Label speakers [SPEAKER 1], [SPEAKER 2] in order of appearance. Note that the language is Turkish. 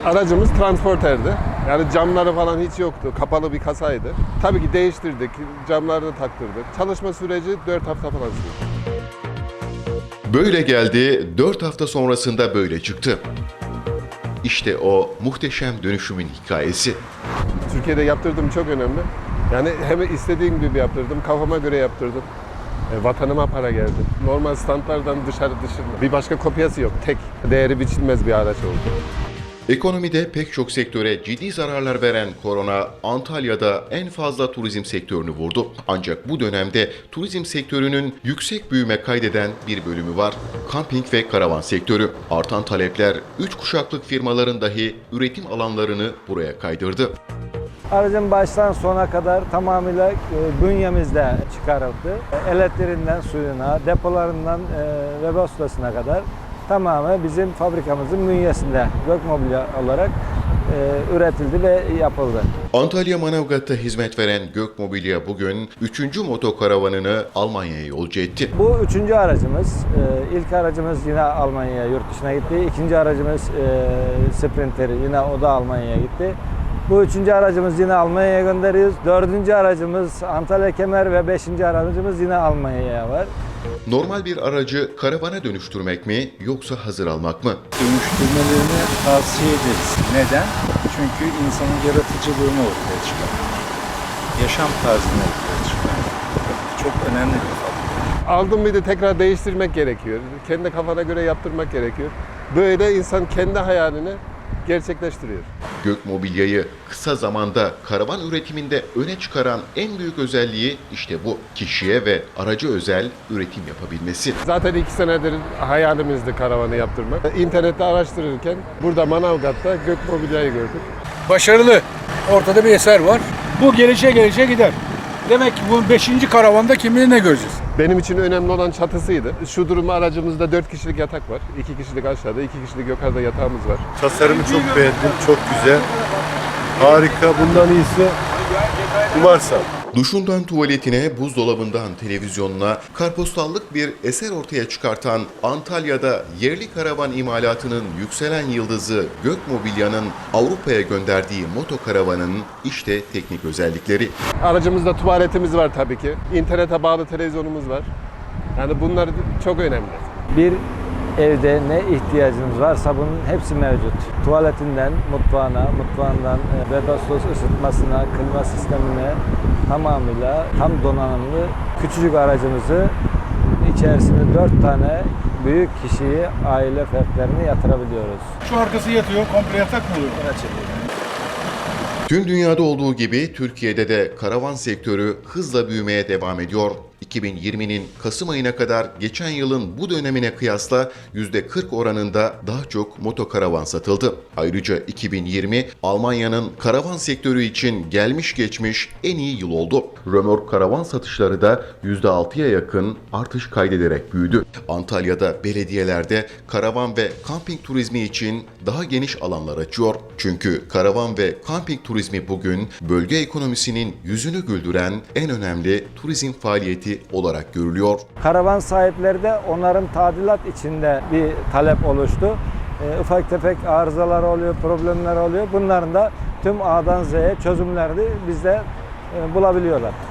[SPEAKER 1] Aracımız transporterdi. Yani camları falan hiç yoktu. Kapalı bir kasaydı. Tabii ki değiştirdik. Camlarını taktırdık. Çalışma süreci 4 hafta falan sürdü.
[SPEAKER 2] Böyle geldi, 4 hafta sonrasında böyle çıktı. İşte o muhteşem dönüşümün hikayesi.
[SPEAKER 1] Türkiye'de yaptırdığım çok önemli. Yani hem istediğim gibi yaptırdım, kafama göre yaptırdım. Vatanıma para geldi. Normal standlardan dışında bir başka kopyası yok. Tek değeri biçilmez bir araç oldu.
[SPEAKER 2] Ekonomide pek çok sektöre ciddi zararlar veren korona, Antalya'da en fazla turizm sektörünü vurdu. Ancak bu dönemde turizm sektörünün yüksek büyüme kaydeden bir bölümü var. Kamping ve karavan sektörü. Artan talepler 3 kuşaklık firmaların dahi üretim alanlarını buraya kaydırdı.
[SPEAKER 3] Aracın baştan sona kadar tamamıyla bünyemizde çıkarıldı. Elektriğinden suyuna, depolarından Webasto'suna kadar tamamı bizim fabrikamızın bünyesinde Gökmobilya olarak üretildi ve yapıldı.
[SPEAKER 2] Antalya Manavgat'ta hizmet veren Gökmobilya bugün 3. motokaravanını Almanya'ya yolcu etti.
[SPEAKER 3] Bu 3. aracımız. İlk aracımız yine Almanya'ya, yurt dışına gitti. 2. aracımız Sprinter, yine o da Almanya'ya gitti. Bu 3. aracımız yine Almanya'ya gönderiyoruz. 4. aracımız Antalya Kemer ve 5. aracımız yine Almanya'ya var.
[SPEAKER 2] Normal bir aracı karavana dönüştürmek mi yoksa hazır almak mı?
[SPEAKER 4] Dönüştürmelerini tavsiye ederiz. Neden? Çünkü insanın yaratıcılığını ortaya çıkarıyor. Yaşam tarzını ortaya çıkarıyor. Çok önemli bir faktör.
[SPEAKER 1] Aldım bir de tekrar değiştirmek gerekiyor. Kendi kafana göre yaptırmak gerekiyor. Böyle insan kendi hayalini gerçekleştiriyor.
[SPEAKER 2] Gökmobilya'yı kısa zamanda karavan üretiminde öne çıkaran en büyük özelliği işte bu. Kişiye ve araca özel üretim yapabilmesi.
[SPEAKER 1] Zaten 2 senedir hayalimizdi karavanı yaptırmak. İnternette araştırırken burada Manavgat'ta Gökmobilya'yı gördük.
[SPEAKER 5] Başarılı. Ortada bir eser var. Bu gelişe gider. Demek ki bu 5. karavanda kim bilir ne göreceğiz.
[SPEAKER 1] Benim için önemli olan çatısıydı. Şu durumda aracımızda 4 kişilik yatak var. 2 kişilik aşağıda, 2 kişilik yukarıda yatağımız var.
[SPEAKER 6] Tasarımı çok beğendim, çok güzel. Harika, bundan iyisi umarsam.
[SPEAKER 2] Duşundan tuvaletine, buzdolabından televizyonuna karpostallık bir eser ortaya çıkartan Antalya'da yerli karavan imalatının yükselen yıldızı Gökmobilya'nın Avrupa'ya gönderdiği motokaravanın işte teknik özellikleri.
[SPEAKER 1] Aracımızda tuvaletimiz var tabii ki. İnternete bağlı televizyonumuz var. Yani bunlar çok önemli.
[SPEAKER 3] Bir evde ne ihtiyacınız varsa bunun hepsi mevcut. Tuvaletinden mutfağına, mutfağından Webasto ısıtmasına, klima sistemine tamamıyla tam donanımlı küçücük aracımızı içerisine 4 tane büyük kişiyi, aile fertlerini yatırabiliyoruz.
[SPEAKER 5] Şu arkası yatıyor, komple yatak mı oluyor?
[SPEAKER 2] Tüm dünyada olduğu gibi Türkiye'de de karavan sektörü hızla büyümeye devam ediyor. 2020'nin Kasım ayına kadar geçen yılın bu dönemine kıyasla %40 oranında daha çok motokaravan satıldı. Ayrıca 2020 Almanya'nın karavan sektörü için gelmiş geçmiş en iyi yıl oldu. Römork karavan satışları da %6'ya yakın artış kaydederek büyüdü. Antalya'da belediyelerde karavan ve kamping turizmi için daha geniş alanlar açıyor. Çünkü karavan ve kamping turizmi bugün bölge ekonomisinin yüzünü güldüren en önemli turizm faaliyeti olarak görülüyor.
[SPEAKER 3] Karavan sahipleri de onların tadilat içinde bir talep oluştu. Ufak tefek arızalar oluyor, problemler oluyor. Bunların da tüm A'dan Z'ye çözümlerini bizde bulabiliyorlar.